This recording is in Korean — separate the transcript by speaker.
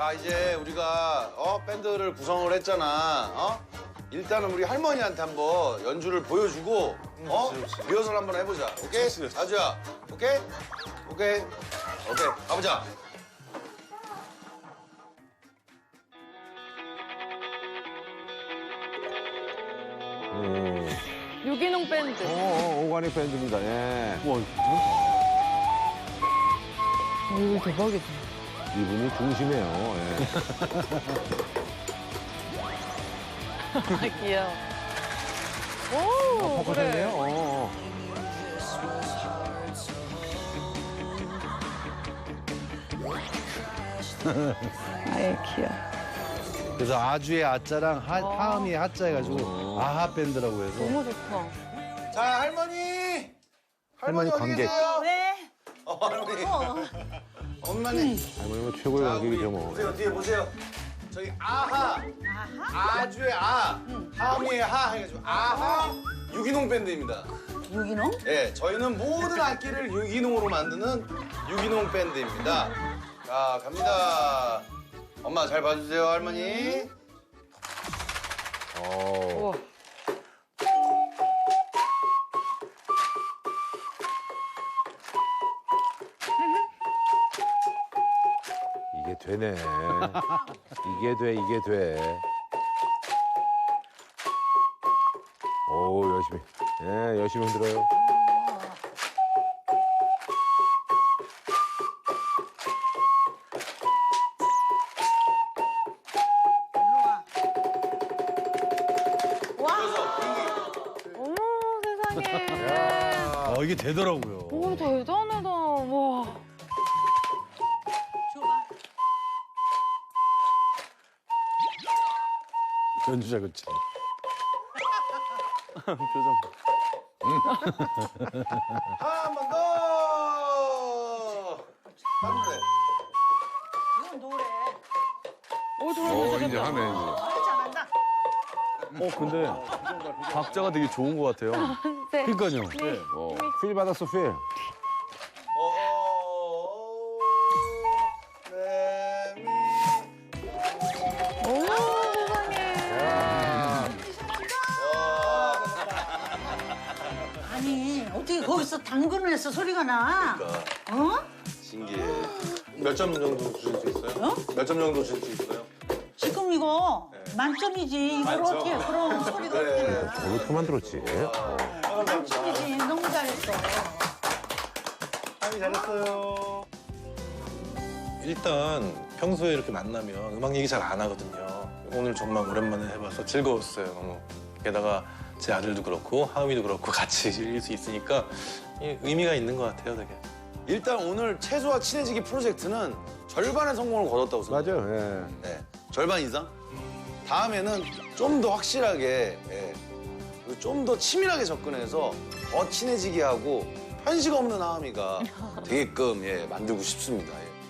Speaker 1: 자, 이제 우리가 밴드를 구성을 했잖아. 일단은 우리 할머니한테 한번 연주를 보여주고 리허설 한번 해보자. 오케이? 아주야, 오케이? 오케이. 오케이. 가보자.
Speaker 2: 유기농 밴드.
Speaker 3: 오가닉 밴드입니다. 예.
Speaker 2: 이거 대박이다.
Speaker 3: 이분이 중심이에요. 예.
Speaker 2: 아, 귀여워. 오,
Speaker 3: 포커스네요.
Speaker 2: 그래. 아이, 귀여워.
Speaker 4: 그래서 아주의 아자랑 하음이 하자 해가지고 아하 밴드라고 해서.
Speaker 2: 너무 좋다.
Speaker 1: 자, 할머니!
Speaker 3: 할머니
Speaker 1: 어디
Speaker 3: 관객.
Speaker 1: 계세요?
Speaker 5: 왜?
Speaker 1: 할머니. 엄마네.
Speaker 3: 할머니가 최고의
Speaker 1: 자, 우리
Speaker 3: 관객이죠, 뭐.
Speaker 1: 보세요, 뒤에 보세요. 저기 아하. 아주의 아. 하음이의 하 해가지고 아하 유기농 밴드입니다.
Speaker 5: 유기농?
Speaker 1: 예, 저희는 모든 악기를 유기농으로 만드는 유기농 밴드입니다. 자, 갑니다. 엄마 잘 봐주세요, 할머니.
Speaker 2: 우와.
Speaker 3: 이게 되네. 이게 돼, 이게 돼. 오, 열심히. 예, 열심히 흔들어요.
Speaker 2: 어머, 세상에.
Speaker 4: 이게 되더라고요.
Speaker 2: 오, 대단하다. 와.
Speaker 4: 연주자 그치. 표정.
Speaker 1: 한 번 더. 하면 돼.
Speaker 5: 이건 노래.
Speaker 2: 오, 정말
Speaker 3: 이제 하네, 이제.
Speaker 5: 잘한다.
Speaker 6: 근데 박자가 되게 좋은 것 같아요.
Speaker 2: 네.
Speaker 4: 그러니까요.
Speaker 3: 필 받았어, 필.
Speaker 1: 네, 미.
Speaker 2: 어머, 세상에.
Speaker 5: 아니, 어떻게 거기서 당근을 해서 소리가 나? 어?
Speaker 1: 신기해. 몇 점 정도 주실 수 있어요?
Speaker 5: 어?
Speaker 1: 몇 점 정도 주실 수 있어요?
Speaker 5: 지금 이거 만점이지. 이걸
Speaker 1: 만점.
Speaker 5: 어떻게 그런 소리가
Speaker 1: 그래.
Speaker 5: 어떻게 나?
Speaker 3: 어떻게 만들었지?
Speaker 5: 만점이지. 너무 잘했어.
Speaker 1: 잘했어요.
Speaker 7: 일단 평소에 이렇게 만나면 음악 얘기 잘 안 하거든요. 오늘 정말 오랜만에 해봐서 즐거웠어요, 너무. 게다가 제 아들도 그렇고 하음이도 그렇고 같이 즐길 수 있으니까 의미가 있는 것 같아요, 되게.
Speaker 1: 일단 오늘 채소와 친해지기 프로젝트는 절반의 성공을 거뒀다고 생각해요.
Speaker 3: 맞아요, 예.
Speaker 1: 네, 절반 이상. 다음에는 좀 더 확실하게, 그리고 좀 더 치밀하게 접근해서 더 친해지게 하고 편식 없는 하음이가 되게끔 만들고 싶습니다. 예.